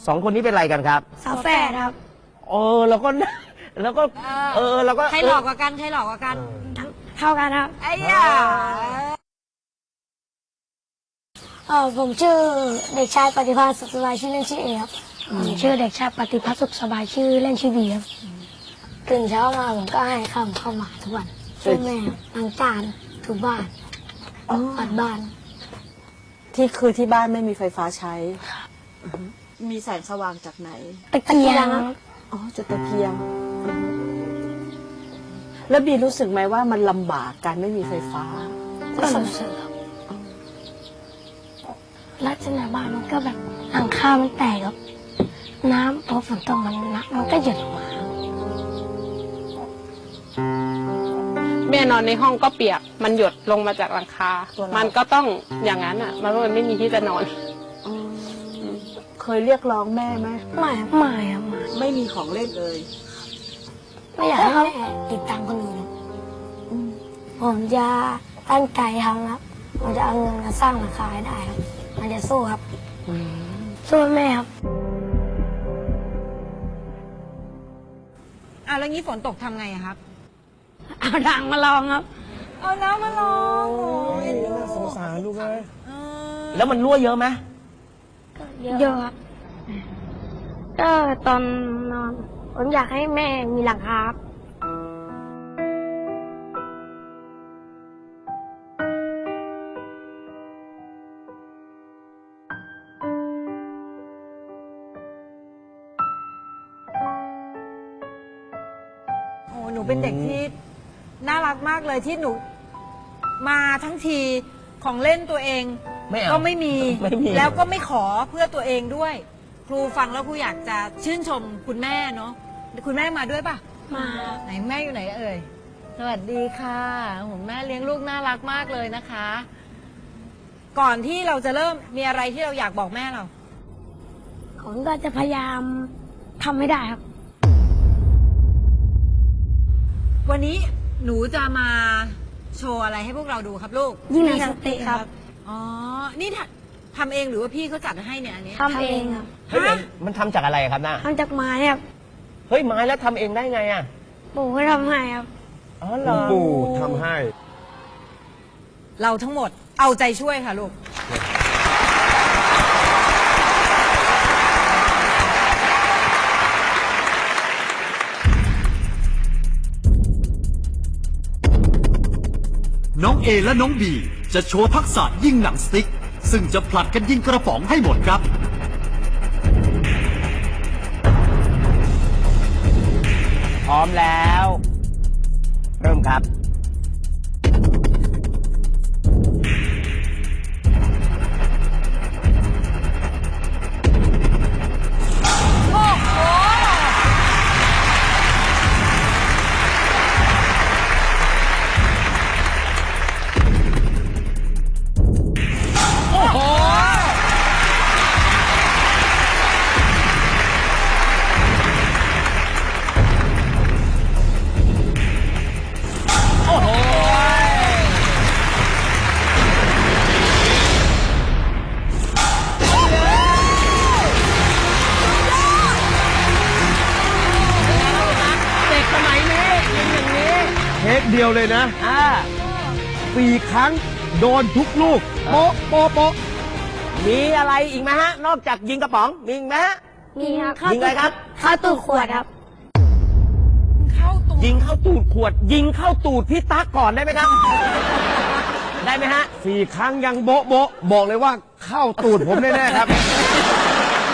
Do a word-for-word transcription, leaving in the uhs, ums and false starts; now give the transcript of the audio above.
สองคนนี้เป็นอะไรกันครับฝาแฝดครับเออแล้วก็แล้วก็เออแล้วก็ใครหลอกกว่ากันใครหลอกกว่ากันทั้งเท่ากันครับไอ้ยาเออผมชื่อเด็กชายปฏิภาณสุขสบายชื่อเล่นชื่อเอครับผมชื่อเด็กชายปฏิภาณสุขสบายชื่อเล่นชื่อบีครับตื่นเช้ามาผมก็ให้ข้าวเข้ามาทุกวันช่วยแม่ล้างจานถูบ้านปัดบ้านที่คือที่บ้านไม่มีไฟฟ้าใช้อือฮึมีแสงสว่างจากไหนตะเกียงครับอ๋อจุดตะเกียงอือฮึแล้วบีรู้สึกไหมว่ามันลำบากการไม่มีไฟฟ้าก็สงสารครับลักษณะบ้านมันก็แบบหลังคามันแตกครับน้ำพอฝนตกมันน้ำมันก็หยดลงมาแม่นอนในห้องก็เปียก มันหยดลงมาจากหลังคาตัวเรามัมันก็ต้องอย่างนั้นอ่ะ มันมันไม่มีที่จะนอนอืมเคยเรียกร้องแม่ไหมไม่ครับไม่ครับไม่ไม่มีของเล่นเลยไม่อยากให้เขาติดตามคนอื่นครับอืมผมจะตั้งใจทำครับผมจะเอาเงินมาสร้างราคาให้ได้ครับมันจะสู้ครับสู้แม่ครับอ่ะแล้วงี้ฝนตกทำไงอะครับเอาดังมาลองครับเอาน้ำมาลองโอ้ยสงสารลูกเลยเออแล้วมันรั่วเยอะไหมเยอะครับก็ตอนนอนผมอยากให้แม่มีหลังคาครับโอ้หนูเป็นเด็กที่น่ารักมากเลยที่หนูมาทั้งทีของเล่นตัวเองไม่เอาก็ไม่มีไม่มีแล้วก็ไม่ขอเพื่อตัวเองด้วย ครูฟังแล้วครูอยากจะชื่นชมคุณแม่เนาะคุณแม่มาด้วยป่ะมาไหนแม่อยู่ไหนเอ่ย สวัสดีค่ะผมแม่เลี้ยงลูกน่ารักมากเลยนะคะ ก่อนที่เราจะเริ่มมีอะไรที่เราอยากบอกแม่เราผมก็จะพยายามทำให้ได้ครับวันนี้หนูจะมาโชว์อะไรให้พวกเราดูครับลูกยิงหนังสติ๊กครับอ๋อ นี่ทำทำเองหรือว่าพี่เขาจัดให้เนี่ยอันนี้ทำเองครับเฮ้ยมันมันทำจากอะไรครับน้าทำจากไม้ครับเฮ้ยไม้แล้วทำเองได้ไงอ่ะปู่ก็ทำให้ครับอ๋อเหรอปู่ทำให้เราทั้งหมดเอาใจช่วยค่ะลูกน้องเอและน้องบีจะโชว์ทักษะยิงหนังสติ๊กซึ่งจะผลัดกันยิงกระป๋องให้หมดครับพร้อมแล้ว เริ่มครับ เด็กสมัยนี้ยิงอย่างนี้เทคเดียวเลยนะอ่าสี่ครั้งโดนทุกลูก โป๊ะโป๊ะโป๊ะมีอะไรอีกไหมฮะ นอกจากยิงกระป๋อง มีอีกไหมฮะมีครับยิงอะไรครับเข้าตูดขวดครับเข้าตัวยิงเข้าตูดขวด ยิงเข้าตูดพี่ตั๊กก่อนได้ไหมครับ ได้ไหมฮะสี่ครั้งยังโบ๊ะโบ๊ะบอกเลยว่าเข้าตูดผมแน่ๆครับ